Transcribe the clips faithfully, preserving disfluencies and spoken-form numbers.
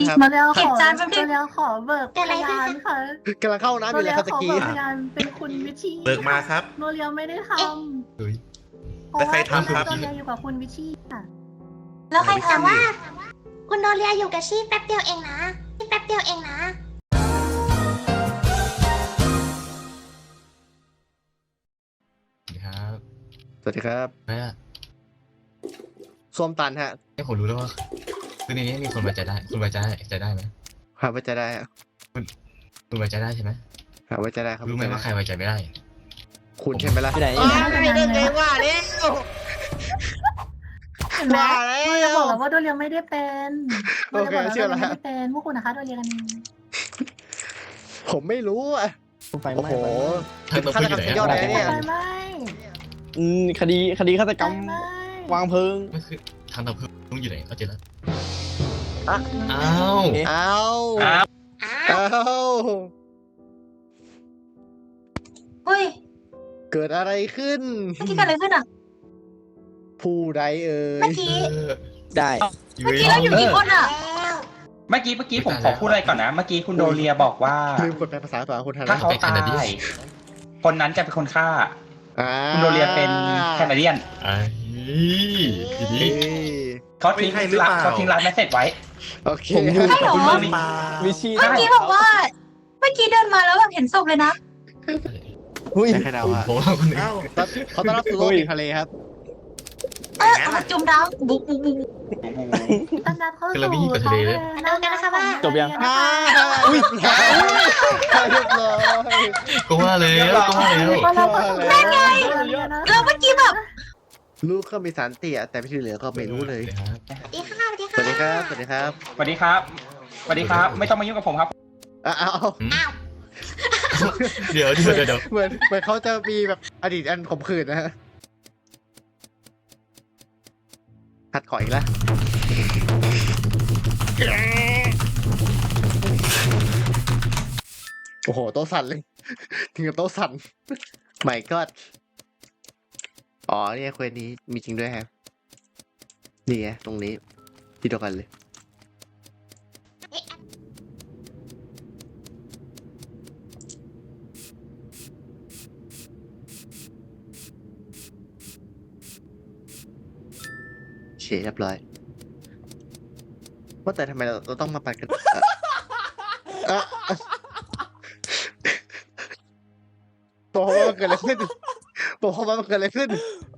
ครับมาแล้วขเห็นอจานแป๊บนึมาง แล้วขอเบิกพยานค่ะกำลังเข้าน้ำอมายู่เลแล้ยว ครับขตะอกี้เบิกพยานเป็นคุณวิชีเบิกมาครับโนเรียวไม่ได้ทเฮ้ยำเพราะแล้วใครว่าตอนทำครันั้นบโนเรียอยู่กับคุณวิชีค่ะแล้วใครแต่ทำว่าว่า คุณโนเรียอยู่กับชีแป๊บเดียวเองนะชีแป๊บเดียวเองนะครับสวัสดีครับแม่ส้วมตันฮะให้ผมรู้แล้วว่าคือในนี้มีคนไว้ใจได้ คุณไว้ใจได้ใจได้ไหมหาไว้ใจได้ฮะคุณไว้ใจได้ใช่ไหมหาไว้ใจได้ครับรู้ไหมว่าใครไว้ใจไม่ได้คุณใช่ไหมล่ะไปไหนอ้าวไม่ได้ไงว่าแล้วเห็นไหมว่าแล้วโนเรียบอกแล้วว่าโนเรียไม่ได้เป็นโนโอเรียเคบอกแล้วเชื่อโนแล้วเรียไม่ได้เป็นพวกคุณนะคะโนเรียกันเองผมไม่รู้อ่ะไฟโอ้ไหม้โหท่านตัวพูดอยู่ไหนฆาตกรรมสุดยอดอะเลยเนี่ยไฟไหม้อืมคดีคดีฆาตกรไฟรมไหม้วางเพลิงไม่คือทางตัวพูดอยู่ไหนเขาเจอแล้วอ่ะอ้าวเอ๊ะอ้าวอ้าวอ้าวเฮ้ยเกิดอะไรขึ้นเมื่อกี้เกิดอะไรขึ้นอ่ะผู้ใดเอ่เมื่อย กี้เออได้เมื่อกี้เราอยู่กี่คนอ่ะเมื่อกี้เมื่อกี้ผมขอพูดอะไรก่อนนะ เมื่อกี้คุณโดเรียบอกว่าลืมกดแปลภาษาตัวคนทันถ้าเขาตาย คนนั้นจะเป็นคนฆ่าอ่าคุณโดเรียเป็นแคนาเดียนไอ้ทีนี้เอ้ยเขาทิ้งเป็นใครหรือเปล่าเขาทิ้งร้านแมสเสจไว้โอเคผมอยู่ใช่เหรอคุณเรื่เรื่ออง งนี้วิชีเมื่อกี้บอกว่า เมื่อกี้เดินมาแล้วแบบเห็นศพเลยนะหุ้ยใช่ใครเดาอะผมว่าคนหนึงเอ้าตอนเขาต้อนรับสู่โลกแห่งทะเลครับเออเอาจุ่มดาวบุกบุกบุกต้อนรับเข้าคือเราไม่สู่ยิงกับทะเลเลยมาดูกันนะคะว่าจบยังอ่าอุ้ยเรียบร้อยก็ว่าแล้วก็ว่าแล้วต้อนรับเข้าสู่โลกแห่งทะเลนะแล้วเมื่อกี้แบบลูกก็มีสารเตี่ยแต่ที่เหลือก็ไม่รู้เลยครับสวัสดีค่ะสวัสดีสค่ะวัสดีครับ สวัสดีครับสวัสดีครับ สวัสดีครับ ไม่ต้องมายุ่งกับผมครับอ้าวอ้าวอ้าวเดี๋ยวเดี๋ยวเดี๋ยวเดี๋ยวเหมือนเหมือนเขาจะมีแบบอดีตอันขมขื่นนะฮะขัดขออีกแล้วโอ้โหโต๊ะสั่นเลย ถึงกับโต๊ะสั่นไม่ก็อ๋อเนี่ยเควสนี้มีจริงด้วยครับนี่ไงตรงนี้ที่เดียวกันเลย เฉยเรียบร้อยว่าแต่ทำไมเราเราต้องมาปัดกันเอ่อเอ่อบอกว่ามันเกิดอะไรขึ้นบอกว่ามันเกิดอะไรขึ้น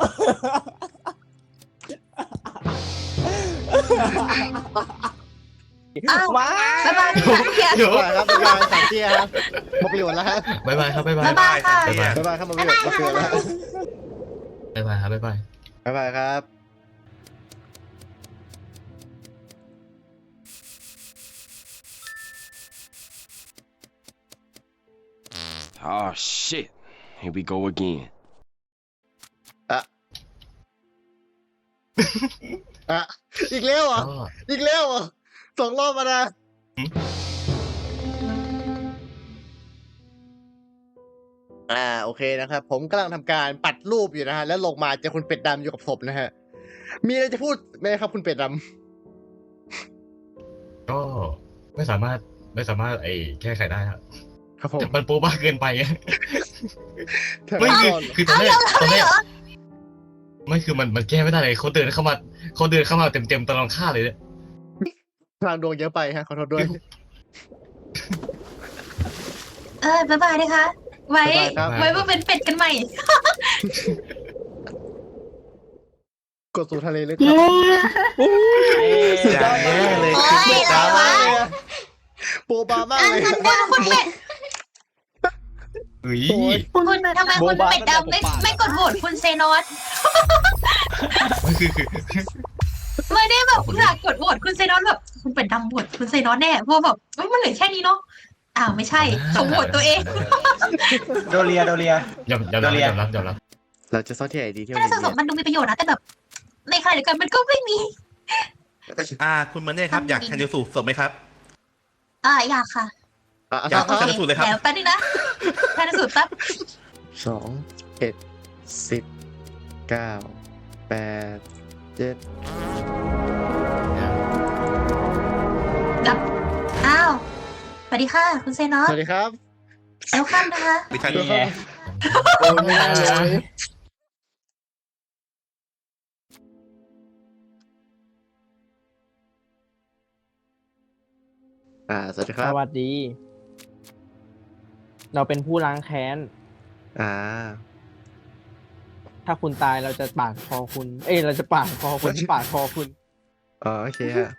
อ้าวว้าบ๊ายบายค่ะเฮียเดี๋ยวบ๊ายบายครับบ๊ายบายสายเตี้ยครับหมดประโยชน์แล้วครับบ๊ายบายครับบ๊ายบายบ๊ายบายค่ะบ๊ายบายบ๊ายบายครับหมดประโยชน์หมดประโยชน์แล้วบ๊ายบายครับบ๊ายบายบ๊ายบายครับ Oh shit. Here we go again. อ่ะอีกแล้วเหรอก็อีกแล้วเหรอสองรอบมานะอ่าโอเคนะครับ ผมกำลังทำการปัดรูปอยู่นะฮะแล้วลงมาเจอคุณเป็ดดำอยู่กับศพนะฮะมีอะไรจะพูดไหมครับคุณเป็ดดำก็ไม่สามารถไม่สามารถไอ้แก้ไขได้ครับครับผมแต่มันโป๊บ้าเกินไปอะทางไม่คือก่อนคือตอนแรกตอนแรกไม่คือมันมันแก้ไม่ได้เลยเขาเดินเข้ามาเขาเดินเข้ามาเต็มเต็มๆตลอดฆ่าเลยเนี่ยพลังดวงเยอะไปฮะขอโทษด้วยเออบ๊ายบายนะคะ ไว้บ๊ายบายครับไว้มาเป็นเป็ดกันใหม่กดสู่ทะเลลึกเย้อย่างแย่เลยโอ๊คือยอะไรวะโปรบามากอ่ะเลยงั้นว่าคุณเป็ดเฮ้ยโอ้ยคุณคุณเป็ดทำไมคุณเป็ดดำไม่ไม่กดโหวตคุณเซนอสไม่คือคือไม่ได้แบบอยากกดโหวตคุณเซนอสแบบคุณเป็ดดำโหวตคุณเซนอสแน่เพราะแบบเอ้ยมันเหลือแค่นี้เนาะอ้าวไม่ใช่เขาโหวตตัวเองโดเรีย โดเรียยอมยอมรับยอมรับยอมรับเราจะซ่อนที่ไหนดีที่ถ้าวันสะสมนี้มันดูมีประโยชน์นะแต่แบบ ในขณะเดียวกันมันก็ไม่มีอ่า คุณมันเนี่ยครับ อยากชันสูตรศพไหมครับอ่าอยากค่ะอ่ะอยากโอชัเคนสูตรเลยครับเดี๋ยวแป๊บนึงนะชันสูตรแป๊บสองเอ็ดสิบเก้าแปดเจ็ดดับสวัสดีค่ะ คุณเซนอสสวัสดีครับเอลคัมนะคะดิฉันนี่ไงโอ้ยไม่ได้เลยอ่าสวัสดีคสรับวัสดี เราเป็นผู้ล้างแค้นอ่าถ้าคุณตายเราจะปาดคอคุณ เอ้ยเราจะปาดคอคุณปาดคอคุณอ๋อโอเคฮะ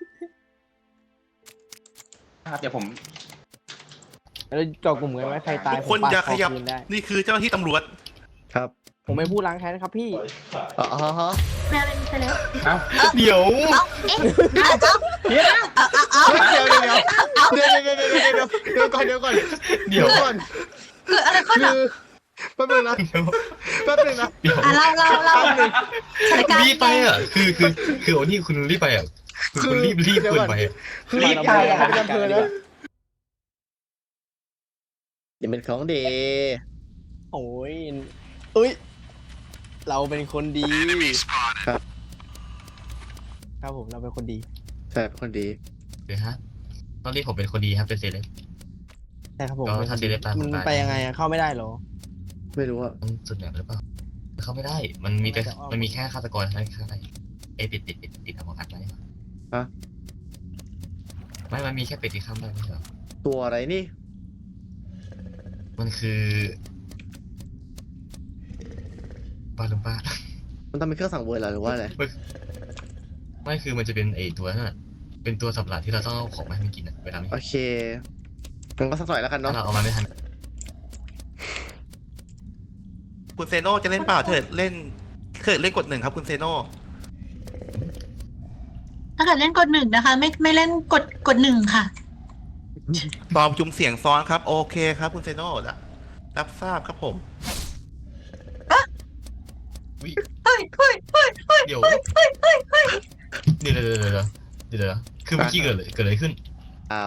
ครับเดี๋ยวผมแล้วเจาะกลุ่มกันไว้ใครตายทุกผคนมปาดอย่าคขอยับคืนได้นี่คือเจ้าหน้าที่ตำรวจครับผมเป็นผู้ล้างแค้นครับพี่อ๋ออ๋อฮะแมวเป็นเซเลบเอ้าเดี๋ยวเอ้าเอ๊ะเอาเอาเอาเอาเดี๋ยวเดี๋ยวเดี๋ยวเดี๋ยวเดี๋ยวเดี๋ยวเดี๋ยวเดี๋ยวเดี๋ยวก่อนเดี๋ยวก่อนเดี๋ยวก่อนคืออะไรขึ้นคือ่ะอแป๊บนึงนะแป๊บนึงนะเดี๋ยวอ่ะเราเราเราสถานการณ์รีบไปอ่ะ คือคือคือโอ้นี่คุณรีบไปอ่ะคือคุณรีบรีบเกินไปอ่ะคือรีบไปอะไม่จำเพอนะอย่าเป็นของเดโอ้ยเอ้ย เราเป็นคนดีครับครับผมเราเป็นคนดีใช่เป็นคนดีเดี๋ยวฮะตอนนี้ผมเป็นคนดีครับเป็นเซเลบใช่ครับผมก็เป็นคถ้าน เซดีเลบตามผมมันได้ไปยังไงอะเข้าไม่ได้เหรอไม่รู้อะมันสุดแบบหรือเปล่าเข้าไม่ได้ มันมีแต่มันมีแค่ฆาตกรเท่านั้นข้างในเอ้ยติดติดติดติดอมกัดไหมฮะไม่ มันมีแค่เป็ดที่ข้ามได้ไม่ใช่เหรอตัวอะไรนี่มันคือบ้าหรือบ้ามันต้องเป็นเครื่องสั่งเวอร์เหรอหรือว่าอะไรไม่คือมันจะเป็นไอตัวนั่นน่ะเป็นตัวสับหลาดที่เราต้องเอาของมาให้มันกินอ่ะเวลามันโอเคงั้นก็สักหน่อยแล้วกันถ้าเนาะเราเอามาไม่ทันคุณเซโน่จะเล่นเปล่าเถิดเล่นเถิดเล่นกดหนึ่งครับคุณเซโน่ถ้าเกิดเล่นกดหนึ่งนะคะ ไม่ไม่เล่นกดกดหนึ่งค่ะตอบจุ่มเสียงซ้อนครับ โอเคครับคุณเซโน่รับรับทราบครับผมอุ๊ยเฮ้ยเฮ้ยเฮ้ยเฮ้ยเดี๋ยวเฮ้ยเฮ้ยเฮ้ยเฮ้ยเดี๋ยวเดี๋ยวเดี๋ยวเดี๋ยวเดี๋ยวเดี๋ยวคือเมื่อกี้เกิดอะไรเกิดอะไรขึ้นอ้าว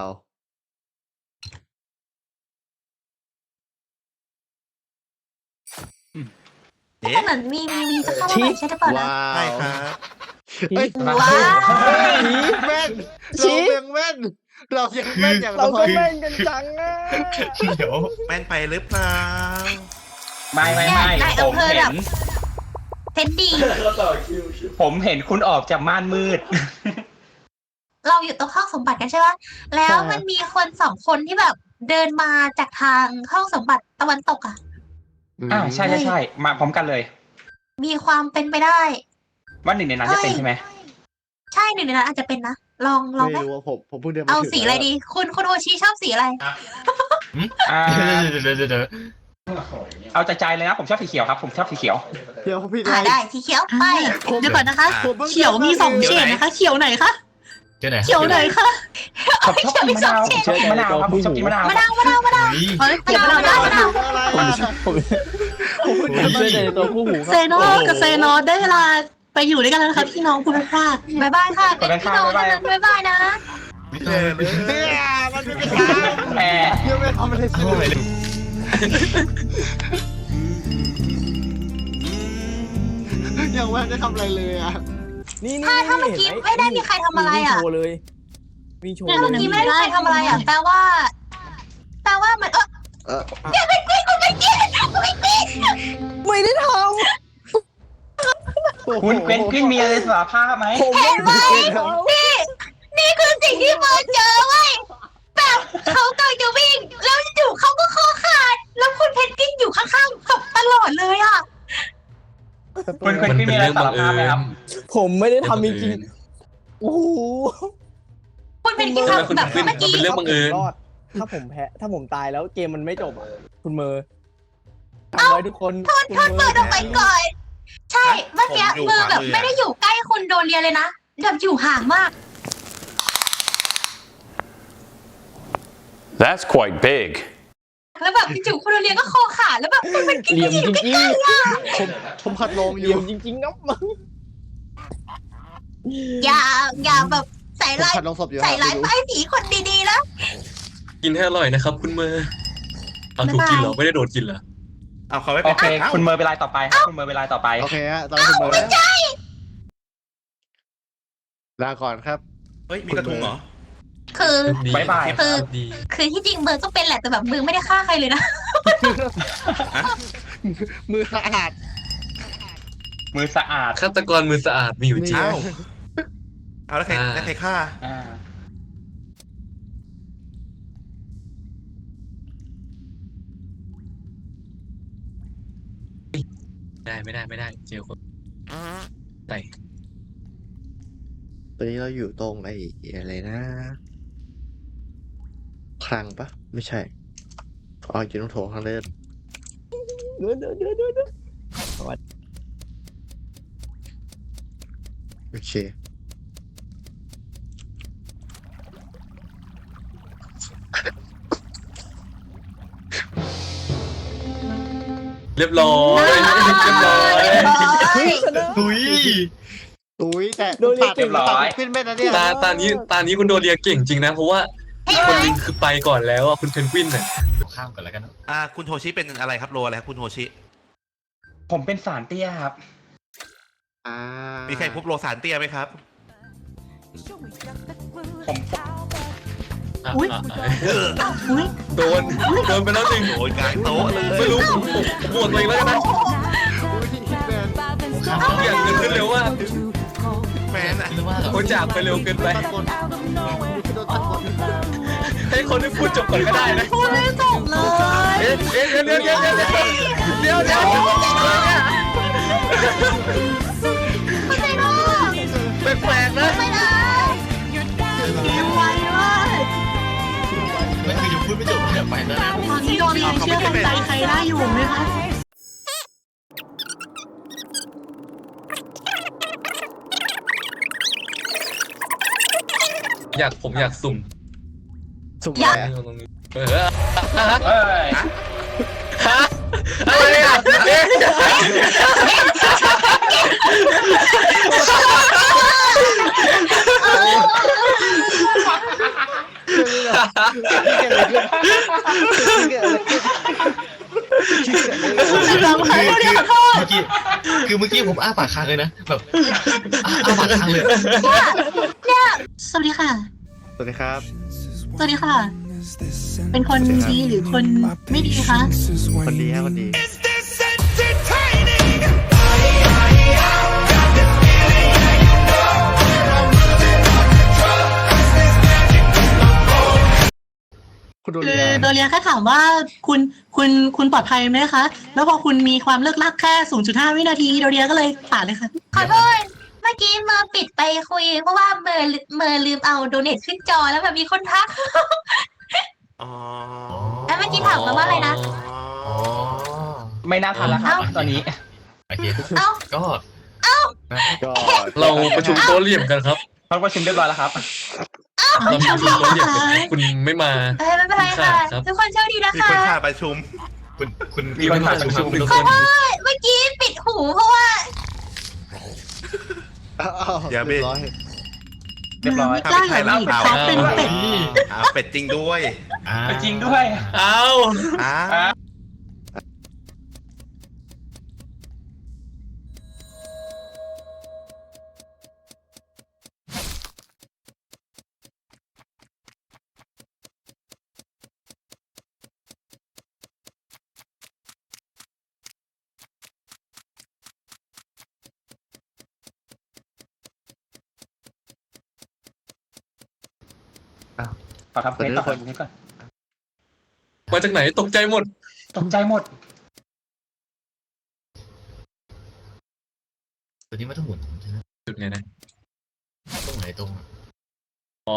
เอ๊ะเหมือนมีมีมีจะเข้ามาใหม่ใช่หรือเปล่านะว้าใช่วครับเอ้ยว้าวแม่นชี้เรายังแม่น เรายังแม่นอย่างเราน้ก็อยแม่งกันจังอะเดี๋ยวแม่นไปหรือเปล่าไม่ไม่ไม่นายผอำมเภอเห็แบบนเพชรดีผมเห็นคุณออกจากม่านมืดเราอยู่ตรงห้องสมบัติกันใช่ไหมแล้วมันมีคนสองคนที่แบบเดินมาจากทางห้องสมบัติตะวันตกอ่ะอ่าใช่ใช่ใช่มาพร้อมกันเลยมีความเป็นไปได้ว่าหนึ่งในนั้นจะเป็นใช่ไหมใช่หนึ่งในนั้นอาจจะเป็นนะ ลองลองไม่ไหมรู้ว่าผมผมเพิ่งเดินมาเอาถึงสีอะไรดี คุณคุณโอชิชอบสีอะไรอ่าเดี๋ยวเดี๋ยวเดี๋ยวเดี๋ยวเอาใจใจเลยนะผมชอบสีเขียวครับ ผมชอบสีเขียวเดี๋ยวพี่อ่าได้ได้สีเขียวไปผมเดี๋ยวก่อนนะคะผมพิ่เขียวมีสองเฉดนะคะ เขียวไหนคะเจอไหนเขียวไหนคะผมชอบกินมะนาวผมชอบกินมะนาวครับผมชอบกินมะนาวมะนาวมะนาวมะนาวเฮ้ยเฮ้ยมะนาวได้มะนาวอะไรผมอะผมผมเพิ่งเจอในตัวคู่หูคเซรับโนกับเซโนได้เวลาไปอยู่ด้วยกันแล้วนะคะพี่น้องคุณพลาดบายบายค่ะเป็นพี่น้องกันบายบายนะวิตายเลยเนี่ยมันไม่เป็นทางแหมยังไม่ทำอะไรสิโอ้ยเลยยังไม่ได้ทำอะไรเลยอ่ะนี่นี่ถ้าถ้าเมื่อกี้ไม่ได้มีใครทำอะไรอ่ะวิ่งโชว์เลยวิ่งโชว์ถ้าเลเมื่อย กี้ไม่ได้ใครทำอะไรอ่ะแปลว่า แปลว่ามันเออเอออย่าไปกรี๊ดคุณไปกรี๊ดคุณไปกรี๊ดไม่ได้ทคุณเกวนกวินมีอะไรสารภาพไหมำผมไม่ได้ทำนี่นี่คือสิ่งที่เฟิร์นเจอเว้ยแบบเขากำลังจะวิ่ง แล้วอยู่เขาก็คอขาด แล้วคุณเพนกวินอยู่ข้างๆกับตลอดเลยอ่ะคุณเกวนกวินมีอะไรสารภาพไหมครับผมไม่ได้ทำจริงๆโอ้โหคุณเพนกวินทำแบบเมื่อกี้เป็นเรื่องบังเอิญรอด ถ้าผมแพ้ ถ้าผมตายแล้วเกมมันไม่จบอะคุณเมอร์ทำไว้ทุกคนโทษโทษเฟิร์นออกไปก่อน ใช่ เมื่อกี้มือแบบไม่ได้อยู่ใกล้คุณโดเรียเลยนะแบบอยู่ห่างมาก That's quite big. แล้วแบบจู่ๆคุณโดเรียก็คอขาดแล้วแบบคุณเพนกวินเหลี่ยมก็อยู่จริงใกล้ๆอ่ะผมผมขัดลงๆอเหลี่ยู่ยมจริงๆนะมึงอย่าอย่าแบบใส่ผมร้ายขัดลงศพอยู่ใส่ร้ายครับป้ายสีคนดีๆนะกินให้อร่อยนะครับคุณเมอร์เอาถูกกินเหรอ ไม่ได้โดดกินเหรอเอาเขาไม่โอเป็นเคอ้าวคุณเมอร์เป็นรายต่อไปครับคุณเมอร์เป็นรายต่อไปโอเคฮะตอนนี้คุณเบอร์แล้วลาก่อนครับเฮ้ยมีกระทุงเหรอคือดีบ๊ายบายคือดีคือที่จริงเบิร์ก็เป็นแหละแต่แบบเบิร์ไม่ได้ฆ่าใครเลยนะมือสะอาดมือสะอาดฆาตกรมือสะอาดมีอยู่จริงนี่เอ้าเอาแล้วใครอ่าแล้วใครฆ่าอ่าได้ไม่ได้ไม่ได้เจอคนใส่ตอนนี้เราอยู่ตรงไอ้อะไรนะคลังปะไม่ใช่อ๋ออยู่ตรงโถงทางเดินเดือดเดือดเดือดเดือดโอเคเรียบร้อยเรียบร้อยดุยอุ้ยแต่โดนเรียกตัดเก่งตัร้อดยขึ้นไม่นะเนี่ยตาตานี้ตานี้คุณโดเรียเก่งจริงนะ เพราะว่าคนหนึงคือไปก่อนแล้วอ่ะคุณเพนกวินน่ะข้ามก่อนแล้วกันเนอะอ่า คุณโฮชิเป็นอะไรครับโรอะไรครับคุณโฮชิผมเป็นสารเตี้ยครับอ่ามีใครพบโรสารเตี้ยไหมครับผมอ่ะอุ๊ยอ่ะอ่ะอ้าวอุ้ยโดนโดนไปแล้วหนึ่งโดนกลางโต๊ะเลยไม่รู้ผมผมผมบวกตัวเองแล้วกันนะอุ้ยแมนข้ามทุกอย่างเกิดขึ้นเร็วมากแมนอะคิดว่าเหรอเขาจากไปเร็วเกินไปตัดบนโดนตัดบนให้คนที่พูดจบก่อนก็ได้นะพูดไม่จบเลยเอ๊ะเอ๊ะเดี๋ยวเดี๋ยวเดี๋ยวเดี๋ยวเดี๋ยวเดี๋ยวเดี๋ยวไม่ได้หรอกแปลกๆนะไม่ได้ยิ้มไวมากไม่คือยังพูดไม่จบเนี่ยไปแล้วนะตอนนี้โดนยังเชื่อใจใครได้อยู่ไหมคะอยากผมอยากสุ่มสุ่มอะไรอะตรงนี้เออเอ้ยฮะอะไรอ่ะเอ๊ะเกิดอะไรขึ้นเกิดอะไรขึ้นคือคือเมื่อกี้คือเมื่อกี้ผมอ้าปากค้างเลยนะแบบอ้าอ้าปากค้างเลยเนี่ยสวัสดีค่ะสวัสดีครับสวัสดีค่ะ เป็นคนดีหรือคนไม่ดีคะคนดีฮะคนดี คุณโดคืเรีอย โดเรียแค่ถามว่าคุณคุณคุณปลอดภัยไหมคะ แล้วพอคุณมีความเลิกลักแค่ ศูนย์จุดห้า วินาทีโดเรียก็เลยผ่านเลยค่ะ ขอโทษ เมื่อกี้เมอร์ปิดไปคุย เพราะว่าเมอร์เมอร์ลืมเอาโดเนทขึ้นจอแล้วแบบมีคนทักอ๋อแล้วเมื่อกี้ถามมาว่าอะไรนะอ๋อไม่น่าทันแล้วครับตอนนี้โอเคเอ้าก็ก็เราประชุมโต๊ะเหลี่ยมกันครับเขาประชุมเรียบร้อยแล้วครับเราประชุมโต๊ะเหลี่ยมกันคุณไม่มาเอ้ยไม่เป็นไรค่ะครับทุกคนโชคดีนะมีคะคนฆ่าประชุมคุณคุณมีคนผ่านประชุมคุณทุกขคอน โทษเมื่อกี้ปิดหูเพราะว่าอ้าวอย่าเบรเรียบร้อยเรียบร้อยไม่กล้าอย่าหนีบเขาเป็นเป็ดอ่าเป็ดจริงด้วยอ่าจริงด้วยเอาอ่าอ่ะ ขอทำเควสต่อคนนี้ก่อนมาจากไหนตกใจหมดตกใจหมดตัวนี้ไม่ต้องหมุนใช่ไหมจุดไหนนะตรงไหนตรงอะอ๋อ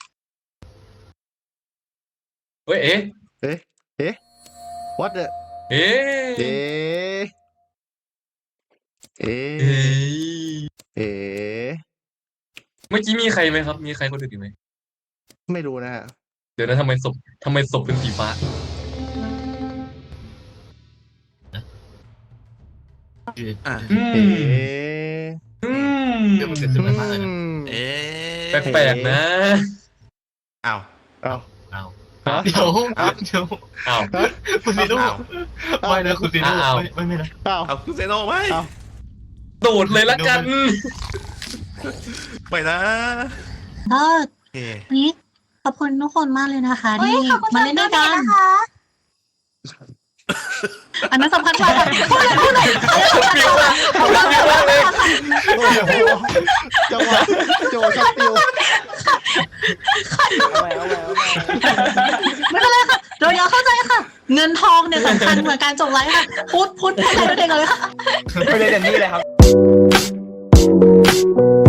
เฮ้ยเอ๊ะเอ๊ะเอ๊ะ what the เอ๊ะเอ๊ะเอ๊เอ๊ะะเอ๊ะเมื่อกี้มีใครไหมครับ มีใครคนอื่นอีกไหมไม่รู้นะฮะเดี๋ยวนะทำไมศพทำไมศพเป็นสีฟ้าคืออ่ะอืเอ๊มะอืมเรื่องมันเกิดขึ้นมามากเลยนะเอ๊ะแปลกๆนะอ้าวเอ้าเอาฮะเดี๋ยวเดี๋ยวอ้าวคุณซีโน่อ้าวไม่นะคุณซีโน่อ้าวไม่ไม่ไม่นะเอ้าเอาคุณเซโน่ไหมเอ้าโดดเลยละกันไปนะก็โอเคนี้ขอบคุณทุกคนมากเลยนะคะเฮ้ยที่ขอบคุณมาเล่นด้วยกันนะคะอันนั้นสำคัญกว่าค่ะพูดเลยพูดเลยอันนั้นสำคัญกว่าพูดเลยพูดเลยค่ะจังหวะโจสติลเอาไว้เอาไว้เอาไว้ไม่เป็นไรค่ะเราอยากเข้าใจค่ะ เงินทองเนี่ยสำคัญเหมือนการจบไลฟ์ค่ะ พูดพูดพูดอะไรด้วยเด็กเลยค่ะไปเลยเดนนี่เลยครับ